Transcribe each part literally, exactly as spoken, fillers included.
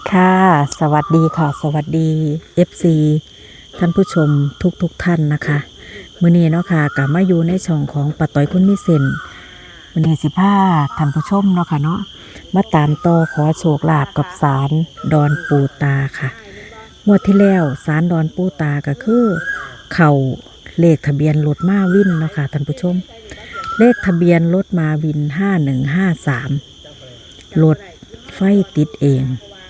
ค่ะสวัสดีค่ะสวัสดี เอฟ ซี ท่านผู้ชมทุกทุกท่านนะคะมื้อนี้เนาะค่ะกลับมาอยู่ในช่องของป้าต้อยคนมีเส้นมื้อนี้สิพาท่านผู้ชมเนาะค่ะเนาะมาตามต่อขอโชคลาภกับศาลดอนปูตาค่ะงวดที่แล้วศาลดอนปูตาก็คือเข่าเลขทะเบียนรถมาวินเนาะค่ะท่านผู้ชมเลขทะเบียนรถมาวินห้าหนึ่งห้าสามรถไฟติดเอง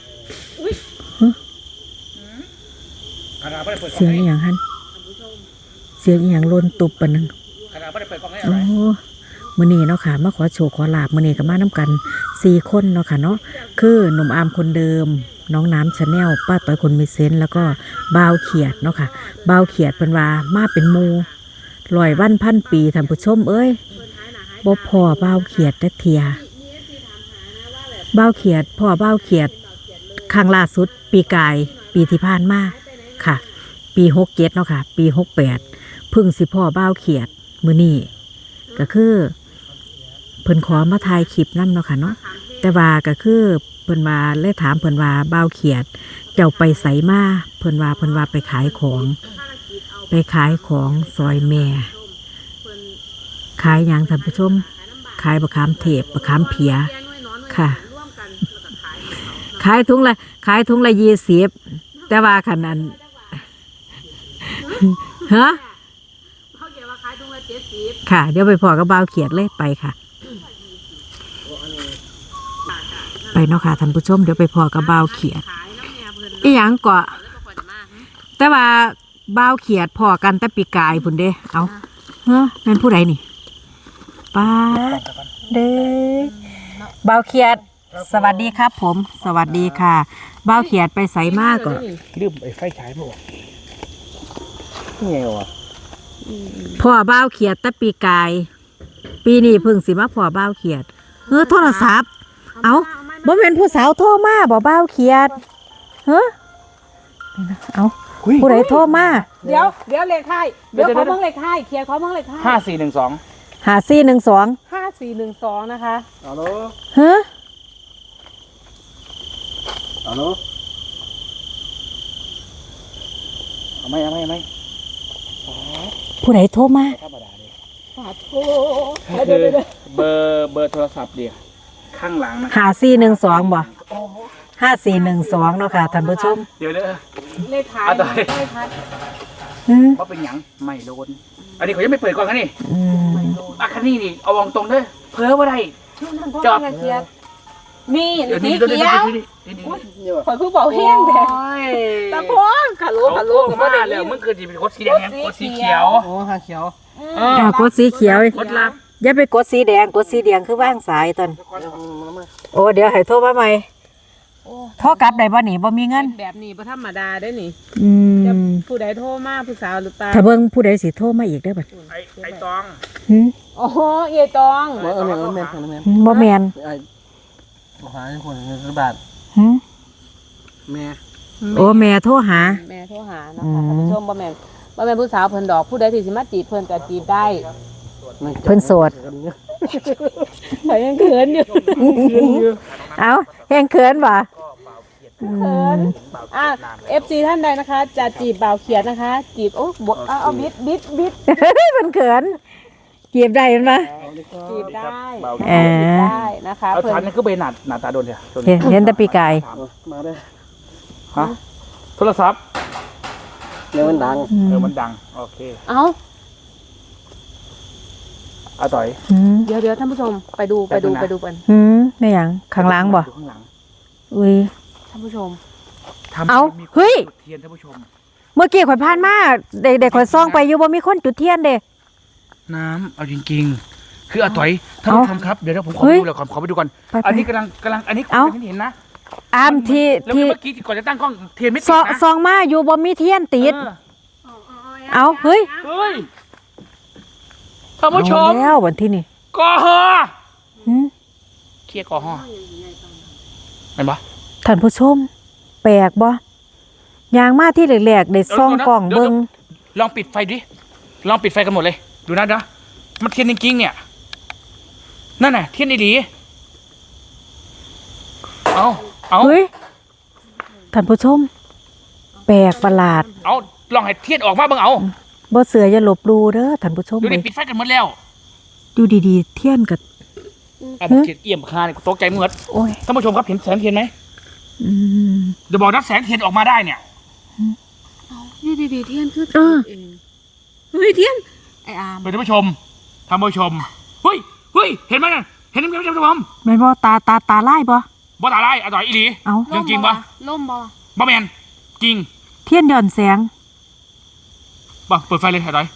เสียงอหย่างฮันเสียงอหย่างลนตุบปะนึงโอ้มื้อนี้เนาะค่ะมาขอโชคขอลาบมื้อนี้ก็มานํกันสี่คนเนาะค่ะเนาะคือหนุ่มอามคนเดิมน้องน้ำชาแนลป้าต้อยคนมีเซนส์แล้วก็บ่าวเขียดเนาะค่ะบ่าวเขียดเพิ่นว่ามาเป็นหมู่ร้อยวันพันปีท่านผู้ชมเอ้ยบ่พอบ่าวเขียดจักเที่ยบ่าวเขียดพ่อบ่าวเขียดครั้งล่าสุดปีกายปีที่ผ่านมาค่ะปีหกเจ็ดเนาะค่ะปีหกแปดพึ่งสิพ่อบ้าวเขียดมือนี่ก็คือเพิ่นขอมาถ่ายคลิปนำเนาะค่ะเนาะแต่ว่าก็คือเพิ่นว่าเลยถามเพิ่นว่าบ้าวเขียดเจ้าไปไสมาเพิ่นว่าเพิ่นว่าไปขายของไปขายของซอยแม่ขายหยังท่านผู้ชมขายบะขามเทพบะขามเพียค่ะขายถุงละขายถุงละยี่สิบแต่ว่าขนาดฮะค่ะเดี๋ยวไปพอกับบ่าวเขียดเลยไปค่ะไปเนาะค่ะท่านผู้ชมเดี๋ยวไปพอกับบ่าวเขียดอีหยังเกาะแต่ว่าบ่าวเขียดพอกันแต่ปีกายพุ่นเด้เอาเฮ้อแม่นผู้ใดนี่ป้าเด้บ่าวเขียดสวัสดีครับผมสวัสดีค่ะบ่าวเขียดไปใส่มากก็ลืมไอ้ไฟฉายมาออกนี่ไงวะพ่อบ่าวเขียดแต่ปีกายปีนี้เพิ่งสิมาพ่อบ่าวเขียดเออโทรศัพท์เอาบ่แม่นผู้สาวโทรมาบ่บ่าวเขียดเฮ้อเอาผู้ใดโทรมาเดี๋ยวเดี๋ยวเลขท้ายเดี๋ยวขอเบิ่งเลขท้ายเคลียร์ขอเบิ่งเลขท้ายห้าสี่หนึ่งสองห้าสี่หนึ่งสองห้าสี่หนึ่งสองนะคะฮัลโหลเฮ้อฮัลโหลเอาไหมเอาไหมเอาไหมผู้ใดโทรมาธรรมดาเลยสาธุคือเบอร์เบอร์โทรศัพท์เดียวข้างหลังนะห้าสี่หนึ่งสองบ่ห้าสี่หนึ่งสองเนาะค่ะท่านผู้ชมเดี๋ยวเด้อเลขท้ายเลขท้ายว่าเป็นหยังไม่โดนอันนี้เขายังไม่เปิดก่อนกันนี่อ่ะคันนี้นี่เอาวางตรงเด้อเพ้อว่าได้จอดนี่สีเขียวข่อยคือเบาแห้งแดงตะโพนขาลูขาลูก็ได้แล้วมึงคือจะเป็นกดสีแดงกดสีเขียวโอ้หาเขียวอ่ากดสีเขียวกดลับอย่าไปกดสีแดงกดสีแดงคือว่างสายตอนโอ้เดี๋ยวให้โทรมาใหม่โทรกลับได้บ่หนิบ่มีเงินแบบนี้บ่ธรรมดาได้นี่อืมผู้ใดโทรมาผู้สาวหรือเปล่าถ้าเบิ่งผู้ใดสิโทรมาอีกได้บัดไอ้ไอ้ตองหึโอ้เอียตองบ่เออแม่นแม่นแม่นบ่แม่นไอ้บ่หาคนเงินบาทหึแม่โอ้แม่โทรหาแม่โทรหานะคะท่านผู้ชมบ่แม่นบ่แม่นผู้สาวเพิ่นดอกผู้ใดที่สิมาจีบเพิ่นก็จีบได้เพิ่นโสดข่อยยังเขินอยู่เอ้าแฮงเขินบ่เขินอ่ะ เอฟ ซี ท่านใดนะคะจะจีบบ่าวเขียดนะคะจีบโอ้บ่เอาบิดบิดบิดเพิ่นเขินจีบได้มั้ยบ่จีบได้เออได้นะคะเอาฉันนี่คือไปหน้าหน้าตาโดนเถอะเห็นแต่ปีกายมาได้ฮะโทรศัพท์เดี๋ยวมันดังเออมันดังโอเคเอ้าอาต่อยเดี๋ยวเดี๋ยวท่านผู้ชมไปดูไปดูไปดูกันหืมแม่หยังข้างล่างบ่ข้างหลังอุ้ยท่านผู้ชมเอาเฮ้ยเทียนท่านผู้ชมเมื่อกี้ข่อยผ่านมาเด็กๆข่อยซ่องไปอยู่บ่มีคนจุดเทียนเด้น้ำเอาจริงๆคืออาต่อยท่านผู้ชมครับเดี๋ยวผมขอดูแล้วก่อนขอไปดูก่อนอันนี้กำลังกำลังอันนี้คุณเห็นนะอามที่ที่เมื่อกี้ก่อนจะตั้งกล้องเทียนไม่ติดนะซองมาอยู่บ่มีเทียนติดเอาเฮ้ยเฮ้ยท่านผู้ชมแล้ววันที่นี่กอฮอหืมเคลียร์กอฮอเห็นปะท่านผู้ชมแปลกบ่ยางมาที่แหลกๆได้ซองกล่องเบิ่งลองปิดไฟดิลองปิดไฟกันหมดเลยดูนะนะมันเทียนจริงๆเนี่ยนั่นน่ะเทียนดีๆเอาเอาเฮ้ยท่านผู้ชม แปลกประหลาดเอาลองให้เทียนออกมาเบิ่งเอาบ่เสืออย่าหลบหลู่เด้อท่านผู้ชมดูดิเว้ยปิดไฟกันหมดแล้วดูดีๆ เทียนกับเอาผมเขียนเอี่ยมคาเนี่ยตกใจหมดโอ้ยท่านผู้ชมครับเห็นแสงเทียนไหมอืมเดี๋ยวบอกนักแสงเทียนออกมาได้เนี่ยนี่ดีๆเทียนคือเออเองเฮ้ยเทียนไอ้อามเป็นท่านผู้ชมท่านผู้ชมเฮ้ยเฮ้ยเห็นไหมน่ะเห็นไหมท่านผู้ชมแม่นบ่ตาตาตาลายบ่บ่ตาได้อร่อยอีหลีเอ้าเรื่องจริงปะล่มบ่บ่แมนจริงเทียนหย่อนแสงบ่เปิดไฟเลยอร่อย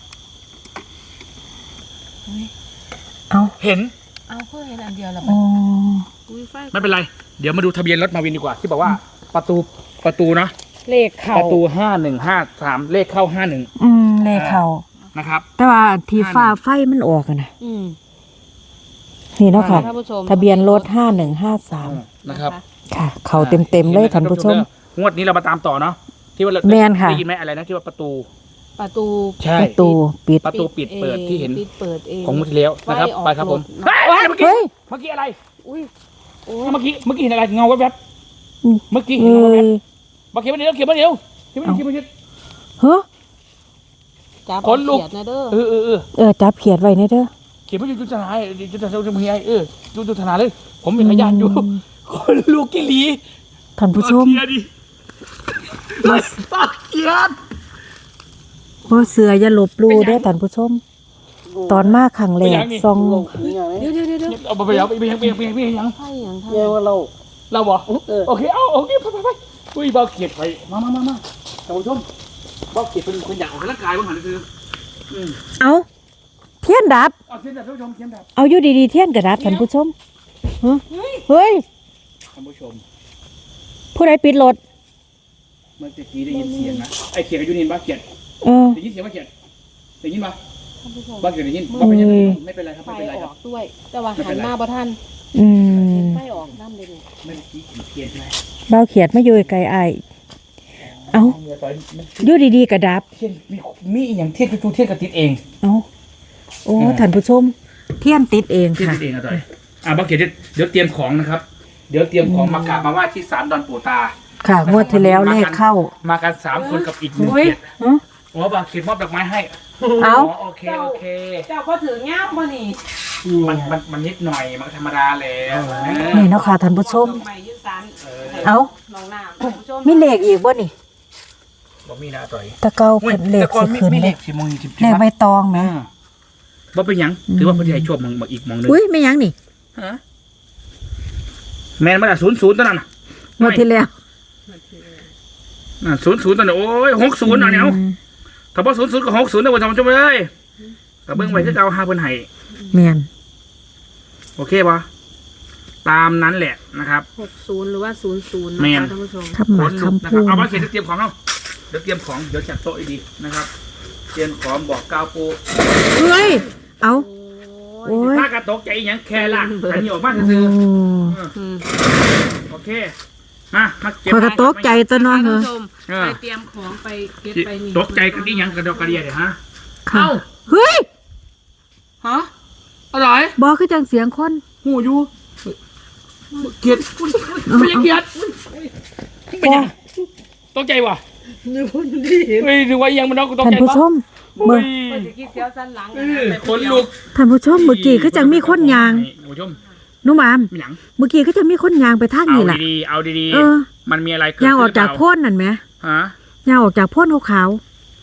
เอ้าเห็นเอาเพื่อเห็นอันเดียวแล้วอ๋ออุ้ยไฟไม่เป็นไรเดี๋ยวมาดูทะเบียนรถมาวินดีกว่าที่บอกว่าประตูประตูนะเลขเข่าประตูห้าหนึ่งห้าสามเลขเข้าห้าหนึ่งอืมเลขเข้านะครับแต่ว่าที่ฟ้าไฟมันออกอะนะอืมนี่เนาะค่ะท่านผู้ชมทะเบียนรถห้าหนึ่งห้าสามนะครับค่ะ เขาเต็มๆเลยท่านผู้ชมงวดนี้เรามาตามต่อเนาะที่ว่าเราแม่นค่ะได้ยินไหมอะไรนะที่ว่าประตูประตูใช่ประตูปิดประตูปิดเปิดที่เห็นปิดเปิดเองของงวดที่แล้วนะครับไฟออกไปครับผมรถเฮ้ยเมื่อกี้เฮ้ยเมื่อกี้อะไรอุ้ยโอ้ยเมื่อกี้เมื่อกี้เห็นอะไรเงาแวบอืมๆเมื่อกี้เห็เฮ้นเงาแวบยๆมาเขียนมาเดียวเขียนมาเดียวเขียนมาเดียวเขียนมาเดียวเฮ้อจับขนลุกเขียดนะเด้อเออเออเออเออจับเขียดไว้ในเด้อเขียนมาอยู่จุดทนายจุดทนายจุดมีไอเออจุดจุดทนายเลย ผมเป็นพยานอยู่คนลูกกิลีท่านผู้ชมเขียนดิปักเขียนบ่เสืออย่าหลบหลู่เด้อท่านผู้ชม ตอนมาครั้งแรกซองนี่ไงเดี๋ยวเดี๋ยวเดี๋ยวเดี๋ยวเอาไปยังไปยังไปยังไปยังไปยังไฟอย่างท่านเยี่ยว่าเราเราบอกเออโอเคเอาโอเคไปไปไปอุ้ยเบาเขียดไปมามามามาท่านผู้ชมเบาเขียดเป็นคนอยากออกกำลังกายบ้างหันคืออืมเอาเทียนดับเอาเทียนดับท่านผู้ชมเทียนดับเอาอยู่ดีๆเทียนกระดับท่านผู้ชมฮะเฮ้ยท่านผู้ชมผู้ใดปิดรถเมื่อกี้ได้ยินเสียงนะไอ้เขียดกับยูนินบ้าเขียดเออได้ยินเสียงบ้าเขียดได้ยินปะท่านผู้ชมบ้าเขียดได้ยินบ้าเป็นยังไงเอ้ยไม่เป็นไรครับไฟไม่เป็นไรอคอรับกด้วย แต่ว่าหันมาบ่ทันอืมไฟออกน้ำเลยเนี่ยเมื่อกี้เขียดใช่ไหมเบาเขียดมาอยู่ไกลๆอ้ายเอาเมื่อตอนมันอยู่ดีๆกระดับเทียนมีมีอหย่างเทียนคือเทียนกระติดเองเอาโอ้อ่าท่านผู้ชม เทียนติดเองเทียนค่ะติดเองอะต่อยอ่ะบ้าเขียดเดี๋ยวเตรียมของนะครับ เดี๋ยวเตรียมของมากราบมาไหว้ที่ศาลดอนปู่ตาค่ะงวดที่แล้วเลขเข้ามากันสามคนกับอีกหนึ่งเฮ้ยเขียดฮะโอ้บางเขียดมอบดอกไม้ให้เอาโอเคโอเคเจ้าก็ถือเงี้ยบ่นี่มันมันมันนิดหน่อยมันก็ธรรมดาแล้วนี่เนาะค่ะท่านผู้ชมดอกไม้ยืดสันเอาน้องน้ำท่านผู้ชมมีเลขอีกบ่นี่บ่มีนะต่อยตะเกาเพิ่นเลขแต่ก่อนสิมีขึ้นมีเลเลขขสิมงสิบเลขใบตองแหมอ่าบ่เป็นหยังถือว่าเพิ่นสิให้โชคมึงมาอีกมองหนึงอุ้ยไม่ยังนี่ฮะแม่นมันอ่ะศูนย์ศูนย์ตอนนั้นน่ะงวดที่แล้วอ่ะศูนย์ศูนย์ตอนนั้นโอ้ยหกศูนย์อ่ะเนี่ยถ้าบ่ศูนย์ศูนย์ก็หกศูนย์นะท่านผู้ชมเอ้ยก็เบิ่งไว้คือเก่าหาเพิ่นให้แม่นโอเคป่ะตามนั้นแหละนะครับหกศูนย์หรือว่าศูนย์ศูนย์แม่นะนคะท่านผู้ชมคำหขมานลุกคำนะคพูรับดเอามาเขียนเตรียมของเนาะเดี๋ยวเตรียมของเดี๋ยวจัดโต๊ะให้ดีนะครับเตรียมของบอกกล่าวปูเฮ้ย เอา โอ้ยถ้ากระตกใจอหยังแค่ละอันนี้ออกมาโอ้ซื่ออืมๆโอเคมามาเก็บข้อยก็ตกใจตัวเน้องท่านเหรอผู้ชมเออไปเตรียมของไปเก็บไปนี่ตกใจกันนี่ยังกระดกกระเดียเดี๋ยวฮะค่ะเอ้าเฮ้ยฮะอะไรบอกคือจังเสียงคนหูอยู่เกลียดไม่ยังเกลียดเป็นยังตกใจว่ะเฮ้ยดูว่ายังมันน้องกูตกท่านใจผู้ปะชมเมื่อเปิดสิกี้เสียวสันหลังเออขนลุกท่านผู้ชมเมื่อกี้คือจังมีคนยางท่านผู้ชมนุ่มอามมีหนังเมื่อกี้คือจังมีคนยางไปทางเอานี้ล่ะดีๆเอาดีเออๆมันมีอะไรเกิดยางอขึ้อน กจากหรืโพ่นนั่นไหมฮะยางออกจากโพ่นขาว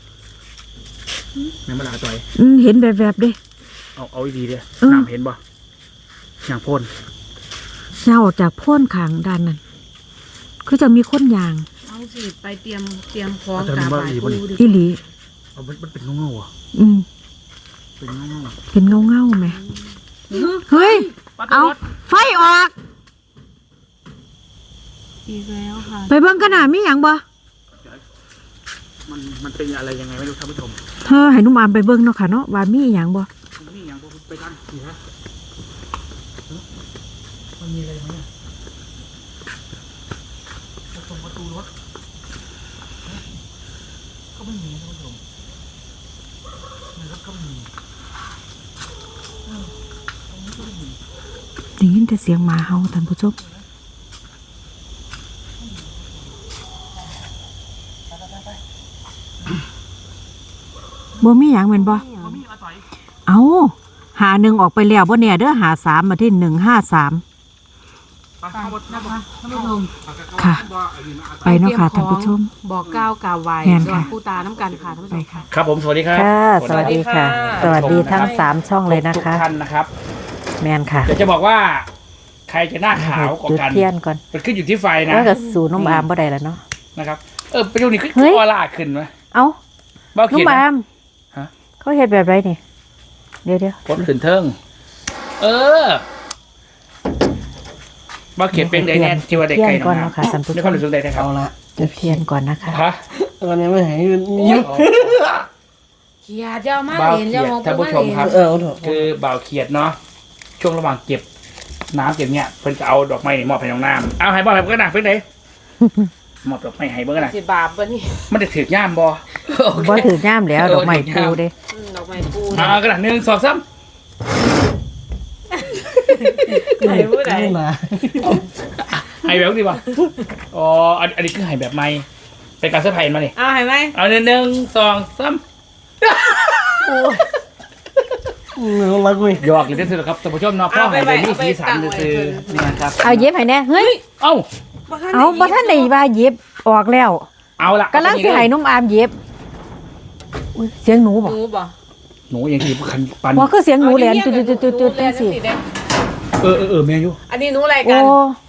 แม่มาลาต่อยๆอืมเห็นแบบๆเด้เอาเอาดีๆเด้อเออน้ำเห็นบ่อย่างพ่นยางออกจากโพ่นขางด้านนั้นคือจะมีคนยางเอาสิไปเตรียมเตรียมของกราบไหว้ครูดิอีหลีเอามันมันเป็นเงาๆอ่ะอืมเป็นเงาเป็นเงาเงาๆไหมเฮ้ยๆเอา ไฟออกอีกแล้วค่ะไปเบิ่งกันหน่ะมีหยังบ่มันมันเป็นอะไรยังไงไม่รู้ท่านผู้ชมเธอให้นุ่มอามไปเบิ่งเนาะค่ะเนาะว่ามีหยังบ่มันมีอย่างพวกไปทางนี่ฮะฮะมันมีอะไรไหมเนี่ยประตูประตูรถฮะก็ไม่มีนะท่านผู้ชมในรถก็ไม่มีได้ยินแต่เสียงหมาเห่าท่านผู้ชมบ่มีหยังแม่นบ่เอาหาหนึ่งออกไปแล้วบ่แน่เด้อหาสามมาที่หนึ่งห้าสามค่ะ ไปเนาะค่ะท่านผู้ชมบอกก้าวกล่าวไว้แม่นดอค่ะนผู้ตาน้ำกันค่ะท่านผู้ชไปมค่ะครับผมสวัสดีครับค่ะ สวัสดีค่ะ สวัสดีทั้งสามช่องเลยนะทุกคะท่านนะครับแมนค่ะเดี๋ยวจะบอกว่า ใครจะหน้าขาวกว่าจุดกันเทียนก่อนมันขึ้นอยู่ที่ไฟนะแล้วก็สูน้ำอามบ่ได้แล้วเนาะนะครับเออประโยคนี้ขึ้นเฮ้ยออร่าขึ้นไหมเอ้าบ้าเขียนน้ำอามฮะเขาเฮ็ดแบบไรนี่เดี๋ยวเดี๋ยวพดขึ้นเทิงเออบ้าเขียนเป็นไดแน่ที่ว่าเด็กเทียไก่นก่อนนะเนาะค่ะท่านผู้ในชความมรู้สึกใดนะครับเอาละจุดเทียนก่อนนะคะฮะตอนนี้ไม่หายยืนยิ้มเขียดเจ้ามาบ้าเห็นเขียเจ้าน มองท่านผู้ชมครับเออเอาเถอะคือบ่าวเขียดเนาะช่วงระหว่างเก็บน้ำเก็บเนี้ยเพิ่นจะเอาดอกไม้นี่มอบให้น้องน้ำเอาให้บ่าวให้เพิ่นก็นะเพิ่นไหนมอบดอกไม้ให้เพิ่นก็นะสิบาปปะนี่มันจะถือย่ามบ่โอเคบ่ถือย่ามแล้วดอกไม้ปูเด้อืมดอกไม้ปูอ่ากระดาษหนึ่งสองสามไหนผู้ใดไม่มาให้แบบดีป่ะอ๋ออันอันนี้คือให้แบบใหม่เป็นการเซอร์ไพรส์มาเนี่ยเอาเห็นไหมเอาหนึ่งหนึ่งสองสามเนื้อรักเว้ยหยอกเลยที่สุดครับท่านผู้ชมเนาะพ่อให้เลยนี่สีสันคือนี่นะครับเอาเย็บให้แน่เฮ้ยเอ้าเอาบ่ทันได้ว่าเย็บออกแล้วเอาละกำลังสิให้นุ่มอามเย็บอุ๊ยเสียงหนูบ่หนูบ่หนูยังที่คันปันว่าคือเสียงหนูแหลนจุดๆๆๆจังซี่เออเออเออแม่อยู่อันนี้หนูอะไรโอ้กัน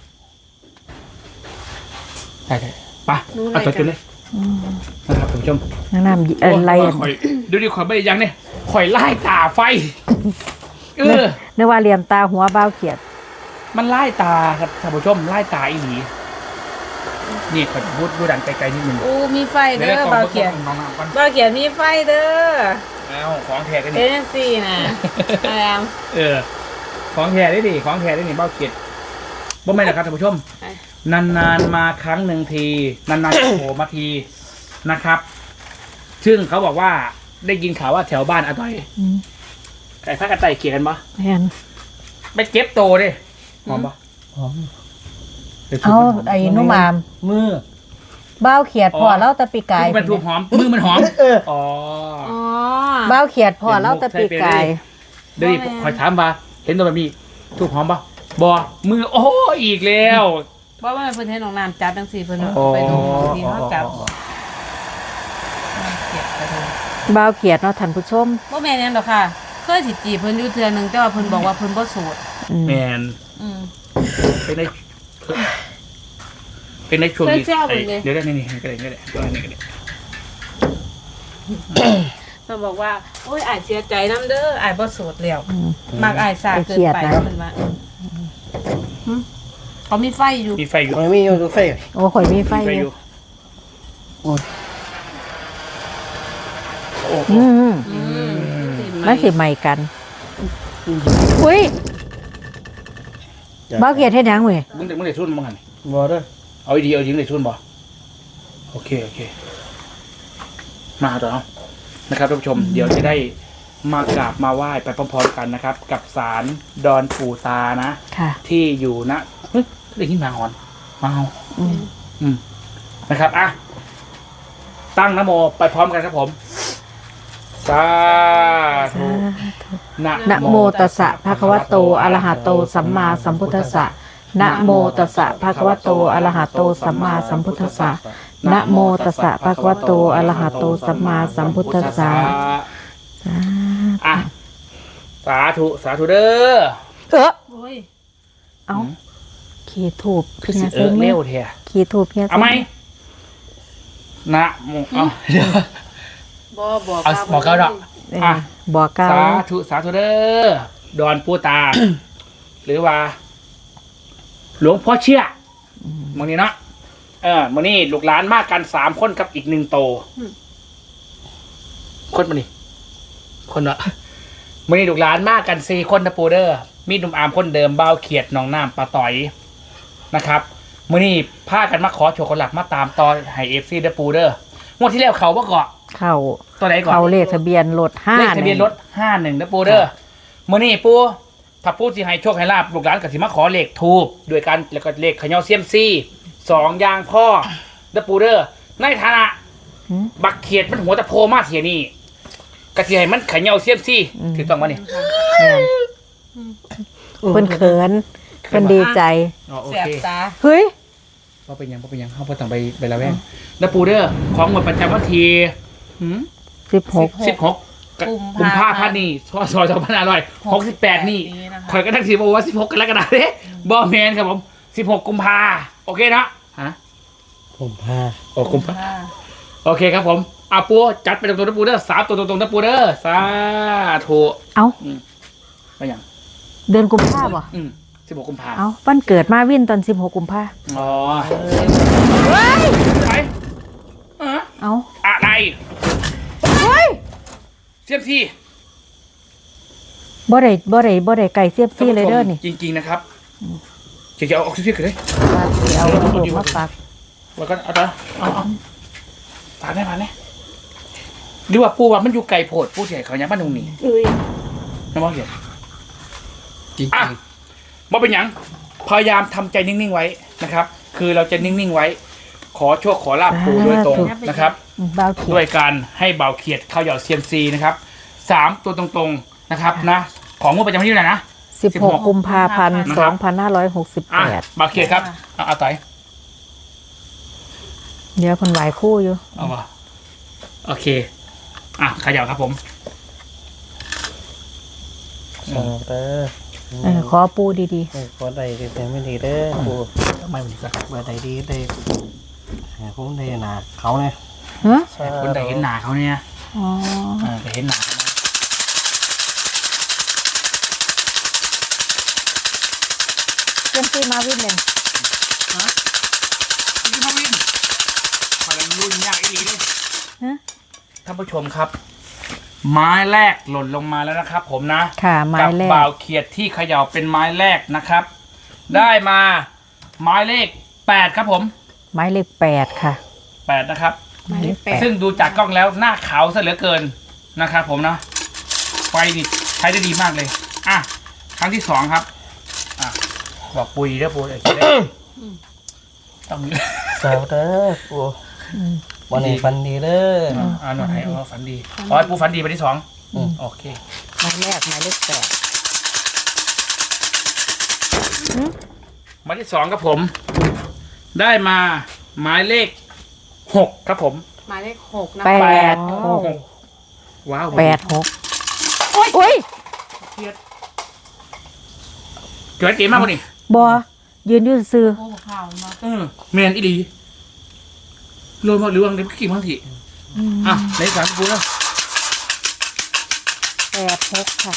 ใช่ใช่ไปหนูอะไรเอาตัวกันจุดเลยนะครับท่านผู้ชมนางน้ำอะไรอ่ะข่อยดูดิข่อยไม่ได้ยังเนี่ยข่อยไล่ตาไฟเออนึกว่าเหลี่ยมตาหัวบ้าวเขียดมันไล่ตาครับท่านผู้ชมไล่ตาอีหลีนี่ข่อยพูดพูดดังไกลๆนิดนึงอู้มีไฟเด้ดี๋ยวอดี๋วบ่าวเขียนน้องๆก่อนบ่าวเขียนมีไฟเด้อเอาของแท้กันเอ็นี่นซีนะแอมเออ ของแท้ได้ดิของแท้ได้ดิเบ้าเกียดบ่ไม่นนะครับท่านผู้ชม นานๆมาครั้งหนึ่งที นานๆจะโผล่มาทีนะครับ ซึ่งเขาบอกว่าได้ยินข่าวว่าแถวบ้านอาต้อยอืมไก่ฟ้ากันไต่เกลียดกันปะแม่นไปเก็บโตดิหอมปะหอมดี๋ยวเอาสูบมันหมไอ้นุ่มอามมือบ้าวเขียดพอเล่าตะปีกายคือมันถูกหอมมือมันหอมเอออ๋ออ๋อบ้าวเขียดพอเล่าตะปีกายเดี๋ยวดิคอยถามมาเห็นตัวแบบนี้ถูกหอมปะบอมือโอ้อีกแล้วบ่ว่ามันเพิ่นให้น้องน้ำจับจังซี่เพิ่นอ๋อไปดูที่เฮาจับเก็บไปดูบ้าวเขียดเนาะท่านผู้ชมบ่แม่นหยังดอกค่ะเคยสิจีบเพิ่นอยู่เทื่อหนึงแต่ว่าเพิ่นบอกว่าเพิ่นบ่โสดอืมแมนอืมเป็นในเป็นในช่วงนี้เคยแซวผมเลยเดี๋ยวได้นี่นี่ก็ได้ก็ได้ก็ได้ก็ได้เพิ่นบอกว่าโอ้ยอ้ายเสียใจนํเด้ออ้ายบ่โสดแล้วอืมมักอ้ายสาเกินไปไอ้เครียดนะเพิ่นว่าหึเขามีไฟอยู่มีไฟอยู่มันไม่มีตัวไฟโอ้ข่อยมีไฟมีไฟออยู่ ยู่โอ้ยโอ้โหอืมอืมมันสิใหม่กันอุ้ยบ้าวเขียดเฮ็ดหยังเว้ยมึงเด็กมึงเด็กทุนมึงหันบอเด้อเอาดีเอาจริงเด็กทุนบ่โอเคโอเค มาต่อเนาะนะครับท่านผู้ชม เดี๋ยวจะได้มากราบมาไหว้ไปพร้อมๆกันนะครับ กับศาลดอนปู่ตานะค่ะที่อยู่ณเฮ้ยได้ยินหมาหอนหมาเฮาอืมอืมนะครับ อ่ะ ตั้งนะโมไปพร้อมกันครับผม สาธุนะนะโมตัสสะภะคะวะโตอะระหะโตสัมมาสัมพุทธัสสะนะโมตัสสะภะคะวะโตอะระหะโตสัมมาสัมพุทธัสสะนะโมตัสสะภะคะวะโตอะระหะโตสัมมาสัมพุทธัสสะอ่ะ สาธุ สาธุเด้อเออโอ้ยเอาขีดถูบคือเฮีสิยเอเซ็องไหมเร็วเทียขีดถูบเฮียเอาไหมนะโมเอาเดี๋ยวบ่บอกเอาบอกเก้าดอกเออบอกกล่าวสาธุ สาธุเด้อ ดอนปูตา หรือว่า หลวงพ่อเชื่อมึงนี้เนาะ เออมึงนี้ลูกหลานมากกันสามคนกับอีกหนึ่งโต คนมานี่คนละมึงนี้ลูกหลานมากกันสี่คนนะปูเดอร์มีหนุ่มอามคนเดิมเบาเขียดหนองน้ำปลาต่อยนะครับมึงนี้พากันมาขอโชว์คนหลักมาตามต่อไฮเอฟซีเดอปูเดอร์งวดที่แล้วเขาบ่เกาะเข้าตัวไหนก่อนเข้าเลขทะเบียนรถห้าเลขทะเบียนรถห้าหนึ่งนะปูเดอร์มื่อนี้ปูถ้าปูสิให้โชคให้ลาบลูกหลานกับสิมาขอเลขทูบด้วยกันแล้วก็เลขเขย่าเซียมซีสองอย่างพ่อนะปูเดอร์ในฐานะหืมบักเขียดมันหัวตะโพมาเสียนี่กระเทียมมันไข่เหี่ยวเสียมซี่ถือต้องวะนี่แม่นเพิ่นเขินเพิ่นดีใจอ๋อโอแสบเคตาเฮ้ยว่าเป็นยังว่าเป็นยังเขาพอต้องไปไปละแวงแล้วปูเดอร์ของหมดประจำวันที่หืมสิบหกสิบหกกุมภาพันธ์นี่พศสองพันห้าร้อยหกสิบแปดนี่ข่อยก็ตั้งสิบอกว่าสิบหกกรกฎาคมเด้บอแมนครับผมสิบหกกุมภาโอเคนะฮะผมพาโอ้กุมภาโอเคครับผมอาปูจัดไปตรงๆนะปูเดอร์สามตัวตรงๆนะปูเดอร์สาธุเอ้าไปยังเดือนกุมภาพันธ์บ่อืมสิบหกกุมภาเอ้าวันเกิดมาวินตอนสิบหกกุมภาพันธ์อ๋อเฮ้ยไปเออเอ้าอะไรเฮ้ยเสียมซี่บ่ได้บ่ได้บ่ได้ไก่เสียบซี่เลยเด้อนี่จริงๆนะครับเดี๋ยวจะเอาออกซิเจนกันเลยเอาลูกมาฝากแล้วก็เอาต่อเอาเอาฝากได้ฝากได้หรือว่าปูว่ามันอยู่ไกลโพดปูเสียเขายังบ้านตรงนี้อุ้ยน้ำมันเสียจริงอ่ะบ่เป็นหยังพยายามทำใจนิ่งๆไว้นะครับ คือเราจะนิ่งๆไว้ ขอโชคขอลาบปูโดยตรงนะครับอืมบ่าวเขียด้วยดการให้เบาเขียดเข้าเหย่าเซียมซีนะครับสามตัวตรงๆนะครับนะ ของงวดประจำวันที่เท่าไหร่นะสิบหกกุมภาพันธ์นะคสรัอบ งพันห้าร้อยหกสิบอ่ะแปดเบาเขียดครับเอาเอาต่อยเดี๋ยวคนไหวคู่อยู่เอาวะโอเค อ่ะเขย่าครับผมสองเด้อเออขอปูดีบ่ได้แต่ไม่ดีเด้อปูทำไมมันก็บ่ได้ดีได้หาผมได้หนาเขาเนี่ยๆฮะคนใดเห็นหนาเขาเนี่ยอ๋อเออแต่เห็นหนาเขานะเสียมซี่มาวินเลยนี่พ่อวินพอแล้วรุ่นยากอีหลีเลยฮะท่านผู้ชมครับ ไม้แรกหล่นลงมาแล้วนะครับ ผมนะค่ะไม้กัแรบ่าก วเขียดที่เขย่าเป็นไม้แรกนะครับ ได้มาไม้เลขแปดครับผมไม้เลขแปดค่ะแปดนะครับไม้เลขแปดซึ่งดูจากกล้องแล้วหน้าขาวซะเหลือเกินนะครับผมนะไฟนี่ใช้ได้ดีมากเลย อ่ะ ครั้งที่สองครับ อ่ะ บอกปุยเด้อปุยเดี๋ยวจะได้ต้องมีสาวเด้อปูวันนี้ฟันดีเด้ออ่าอ่าหน่อยเอาฝันดีอ๋อปูฝันดีไปที่สองอืมโอเคไม้แรกไม้เลขแปดหมายที่สองครับผม ได้มาหมายเลขหกครับผมหมายเลขหกนะแปคะดหกว้าวแปดหกอุ้ยเกิดเกมมากกว่านี่บอยืนอยืนซื้อโอ้ข่าวมาเออเมนอีดีโรยมาหรือวังเด็กกี่บางทีอ่ะในสามปูแล้วแปดหกค่ะ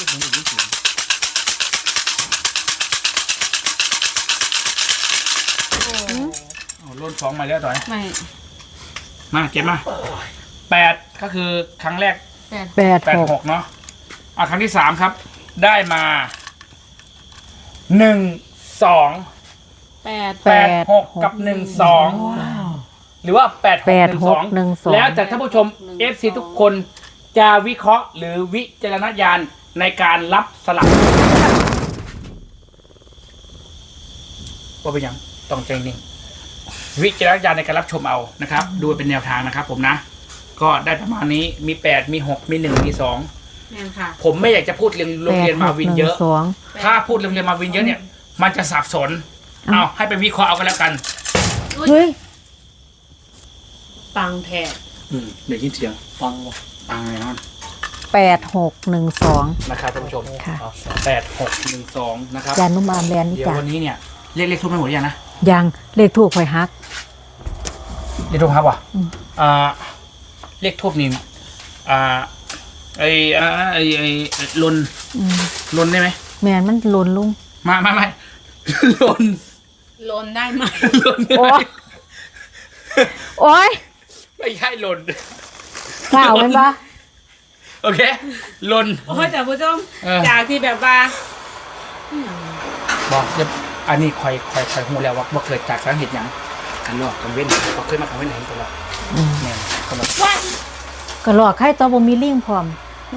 อ๋อโรยสองมาแล้วต่อยไม่มาเก็บมาแปดก็คือครั้งแรกแปดแปดแปดหกหกเนาะอ่ะครั้งที่สามครับ ได้มาหนึ่งสองแปดแปดหกกับหนึ่งสองหรือว่าแปดหแปกดหนึ่งหสกองหนึ่งสองแล้วแต่ท่านผู้ชม เอฟ ซี ทุกคนจะวิเคราะห์หรือวิจารณญาณในการรับสลับว่าเป็นยังต้องใจนิ่งวิจารณญาณในการรับชมเอานะครับ ดูเป็นแนวทางนะครับผมนะ ก็ได้ประมาณนี้มีแปดมีหกมีหนึ่งมีสองแม่นค่ะผมไม่อยากจะพูดเรียนโรงเรียนมาวินเยอะแปดหกหนึ่งสองถ้าพูดโรงเรียนมาวินเยอะเนี่ย มันจะสับสน เอาให้ไปวิเคราะห์เอากันแล้วกันเฮ้ยปังแท้อืมเดี๋ยวยินเสียงฟังวะฟังเลยนะแปดหกหนึ่งสองนะครับท่านผู้ชมค่ะแปดหกหนึ่งสองนะครับยานุ่มอามแลนด์นี่เดี๋ยวจ้ะวันนี้เนี่ยเรียกเลขทุบไม่หมดหรือยังนะยังเลขถูกหอยฮักเลขทุบครับว่ะอืมอ่าเลขทุบนี่อ่าไออ่าไอไอไอ้ลนอืมลนได้ไหมแมนมันหลุนลุงมาไม่ไม่ลนลนได้ไหมลนได้โอ้ไหมยโอ้ยไม่ใช่ลนข่าวเป็นปะโอเคลนโอ้ยแต่ผู้ชมเออจากที่แบบว่าบอกเดี๋ยวอันนี้คอยคอยคอยหูแล้วว่าว่าเกิดจากสาเหตุหยังกันหลอกกันเว้นเขาเคยมากันเว้นไหนตลอดอืมเนี่ยตลอดก็หลอกให้ตัวบ่มีลิงพร้อม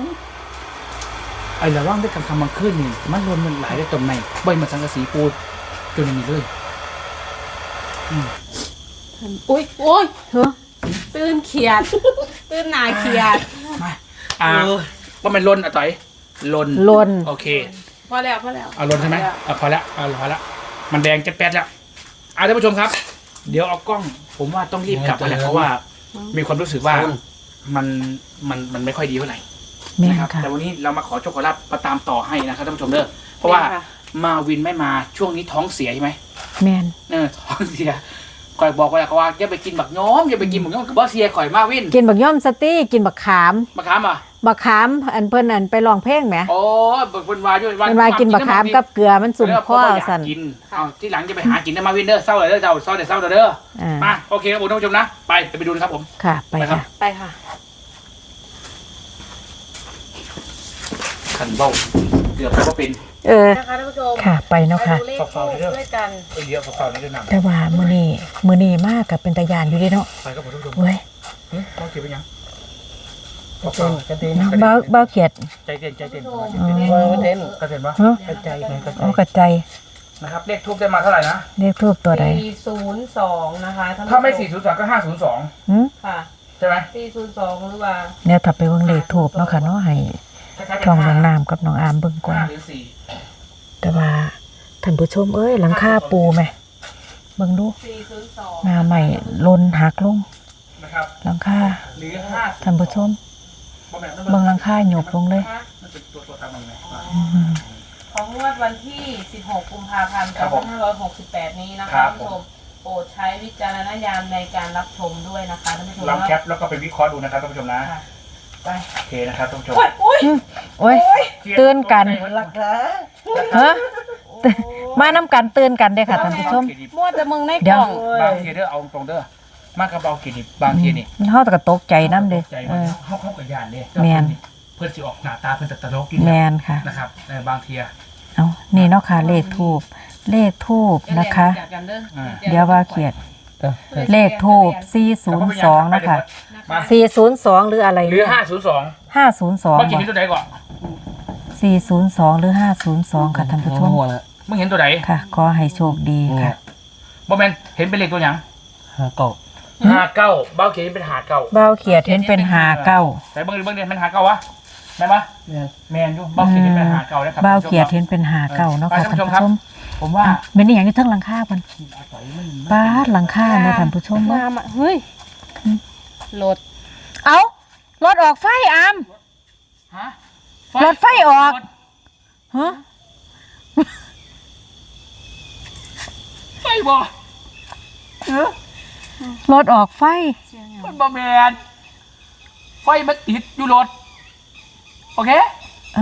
ไอ้ระว่างด้วยกันคำมันขึ้นนี่มันรวมมันหลายได้ตรงไหนบ่อยมาสังกะสีปูดจนมันมีเลยอุ้ยโอ้ยเฮ้อตื่นเขียด ตื่นหนาเขียดมาอ่าว่ามันลนอ่ะต่อยลนลนโอเคพอแล้วพอแล้วเอาลนใช่ไหมอ่ะพอแล้วเอาพอแล้วมันแดงจะแป๊ดแล้วอ่ะท่านผู้ชมครับ เดี๋ยวเอากล้อง ผมว่าต้องรีบกลับไปแหละเพราะว่ามีความรู้สึกว่ามันมันมันไม่ค่อยดีเท่าไหร่แม่นนะครับค่ะแต่วันนี้เรามาขอโชคขอลาบมาตามต่อให้นะครับท่านผู้ชมเด้อเพราะว่ามาวินไม่มาช่วงนี้ท้องเสียใช่ไหมแม่นเออท้องเสียคอยบอกไว้แล้วเขาว่าอย่าไปกินบักย้อมอย่าไปกินบักย้อมกับบอสเซียข่อยมาวินกินบักย่อมสตี้กินบักขามบักขามอ่ะบักขามอันเพิ่นอันไปลองเพลงแหมโอ้บักเป็นวาอยู่เพิ่นว่ากินบักขามกับเกลือมันสุ่มคอสั่สั่นนกินเอาที่หลังจะไปหากินนะมาวินเด้อเศร้าเลยเด้อเจ้าเศร้าเด้อเศร้าเด้ออ่ามาโอเคครับผมท่านผู้ชมนะไปไปดูนะครับผมค่ะไปไปครับค่ะไปค่ะขันเบ้าเกือบก็เป็นเออนะคะท่านผู้ชมค่ะไปเนาะค่ะไปดูเลขทูปด้วยกันเยอะฝาๆนี่ด้วยนะแต่ว่ามื้อนี้มื้อนี้มากกับเป็นตาญาณอยู่เด้เนาะไปครับผมท่านผู้ชมเว้ยเฮ้ยต้องเก็บไปยังกระเต้นกระเต้นเบาเบาเขียดใจเย็นใจเย็นว่ากระเต้นกระเซ็นปะฮะกระจายไงกระจาเอายกระใจนะครับเลขทูบได้มาเท่าไหร่นะเรียกทูบตัวใดสี่ศูนย์สองนะคะท่านผู้ชถ้าไม่สี่ศูนย์สองก็ห้าศูนย์สองหึค่ะใช่ไหมสี่ศูนย์สองหรือว่าเนี่ยถ้าไปเบิ่งเลขทูบเนาะค่ะเนาะให้คล้ายๆเป็นช่องน้องห้าน้ำกับน้องอามเบิ่งก่อนห้าหรือสี่แต่ว่าท่านผู้ชมเอ้ยหลังคาปูไหมเบิ่งดูสี่ศูนย์สองหน้าใหม่ลนหักลงนะครับหลังคาหรือห้าท่านผู้ชมเบิ่งหลังคาหยบลงเลยมันเป็นตัวตัวตามมันไงอืมของงวดวันที่ สิบหก กุมภาพันธ์ครับสผองมพันห้าร้อยหกสิบแปด นี้นะครัคะบท่านผู้ชมโปรดใช้วิจารณญาณในการรับชมด้วยนะคะท่านผู้ชมลองแคปแล้วก็ไปวิเคราะห์ดูนะครับท่านผู้ชมนะค่ะไปโอเคนะครับท่านผู้ชมโอ้ยโอ้ยโอ้ยตื่นกันหลักฐานฮะมาน้ำกันตื่นกันเด้อค่ะท่านผู้ชมมั่วแต่มึงในเดี๋กยวล่องบางทีเด้อเอาตรงเด้อมากกระเบากี่ดิบบางทีนี่มันเฮาแต่ก็ตกใจน้ำเด้อใจเอมันอเข้าเข้ากับยานเด้แม่นเพื่อนสิออกหน้าตาเพื่อนแต่ตลกอยู่แมนค่ะนะครับในบางทีอะเอานี่เนาะค่ะเลขทูบเลขทูบนะคะจากกันเด้ออ่าเดี๋ยวว่าเขียดเออเออเลขทูบสี่ศูนย์สองนะคะมาสี่ศูนย์สองหรืออะไรหรือห้าศูนย์สองห้าศูนย์สองเมื่อกี้เห็นตัวไหนก่อนสี่ศูนย์สองหรือห้าศูนย์สองค่ะท่านผู้ชมหัวละมึงเห็นตัวไหนค่ะ ขอให้โชคดีค่ะบอแมนเห็นเป็นเลขตัวหยังหาเก่าห้าเก้าเบ้าเขียนเป็นหาเก้าเบ้าเขียดเห็นเป็นหาเก้าแต่เบิ้งเบิ้งเดือนเป็นหาเก้าวะแม่นปะเนี่ยแมนอยู่เบ้าเขียนเป็นหาเก้าแล้วครับเบ้าเขียดเห็นเป็นหาเก้าเนาะค่ะท่านผู้ชมผมว่าอ่ะเป็นอหย่างนี้เทั้งหลังคาเพิ่นป้าดหลังคาเนี่ยท่านผู้ชมว่างามอ่ะเฮ้ยรถเอารถออกไฟอามฮะรถไฟออก ฮะไฟบ่รถออกไฟมันบอแมนไฟมันติดอยู่รถโอเคอ่ะ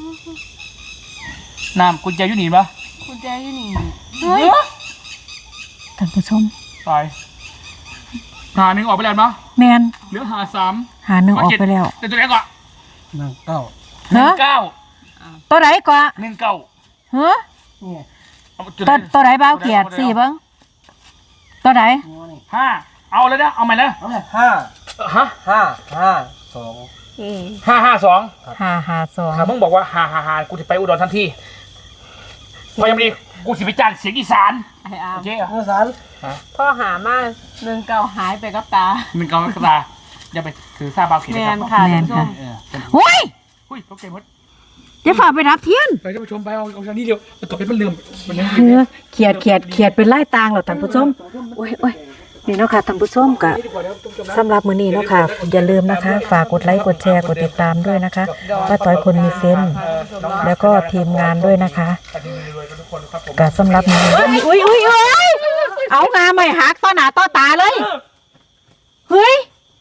น้ำกุญแจอยู่นี่ปะคุณแจอยู่นี่เฮ้ยท่านผู้ชมตายหาหนึ่งออกไปแล้วเนาะแมนเหลือหาสามหาหนึ่งออกไปแล้วเดี๋ยวตัวไหนก่อนหนังเก่าหนึ่เนาะงเก้าตัวไหนก่อนหนึ่งเก้าเฮ้อเนี่ยเอาจุดตัวไหนตัวไหนเบ้าเขียดสี่เบิ้งตัวไหนหัวนี่ห้าเอาเลยนะเอาใหม่เลยเอาเลยห้าฮะห้าห้าสองอืมห้าห้าสองห้าห้าสองถ้ามึงบอกว่าหาหาหากูจะไปอุดรทันทีพอยังไม่ดีกูจะไปจ้างเสียงอีสานไอ้อาโอมเคเหรอเมื่อสารพ่อหามาหนึ่งเก่าหายไปกับตามึงเกาตาอย่าไปถือซาบาวเขียนแมนะครับนค่ะแมท่านนผู้ชค่ะมเออเป็นเฮ้ยอุ้ยตกใจหมดจะฝ่าไปรับเทียนไปท่านผู้ชมไปเอาเอาทางนี้เดียวต่อไปมันเลื่อมมันยังเออเขียดเขียดเขียดเป็นไล่ตางเหรอท่านผู้ชมโอ้ยโอ้ยนี่เนาะค่ะท่านผู้ชมกะสำหรับมื้อนี้เนาะค่ะอย่าลืมนะคะ ฝากกดไลค์กดแชร์กดติดตามด้วยนะคะป้าต้อยคนมีเซนส์แล้วก็ทีมงานด้วยนะคะกะสำหรับมื้อนี้อุ้ยอุ้ยอุ้ยเอางาไม่หักต่อหน้าต่อตาเลยเฮ้ย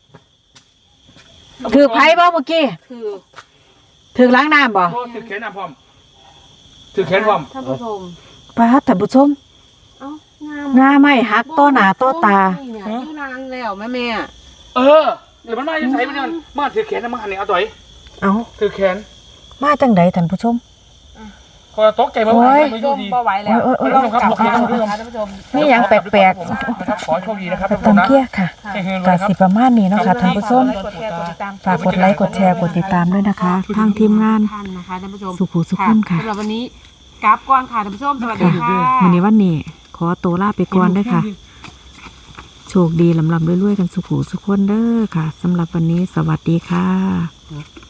ถือไพ่บ่เมื่อกี้คือถืถือล้างน้ำบ่ถือแขนอ่ะพร้อมถือแขนพร้อมท่านผู้ชมป้าท่านผู้ชมเอ้างามงาไม่หักต่อหน้าต่อตาเนี่ยอยู่นานแล้วแม่แม่เออเดี๋ยวมันมาจะใส่มันมันมาถือแขนนะมันหันนี่เอาต่อยเอาถือแขนมาจังใดท่านผู้ชมพอตกใจมันโอ้ยไม่ชดูมดีบ่ไหวแล้วโอ้ยโอ้ยโอ้ยต้องกลับบ้านนะคะท่านผู้ชมนี่ยังแปลกนะครับขอโชคดีนะครับๆต้องเกี้ยค่ะ กาสิประมาณนี้เนาะค่ะท่านผู้ชมกดแชร์กดติดตามฝากกดไลค์กดแชร์กดติดตามด้วยนะคะ ทางทีมงานท่านนะคะท่านผู้ชมสุขุสุขคนค่ะสำหรับวันนี้กราฟก่อนค่ะท่านผู้ชมสวัสดีค่ะค่ะวันนี้วันนี้ขอตัวลาไปก่อนด้วยค่ะ โชคดีลำลำรวยๆกันสุขุสุขคนเด้อค่ะสำหรับวันนี้สวัสดีค่ะ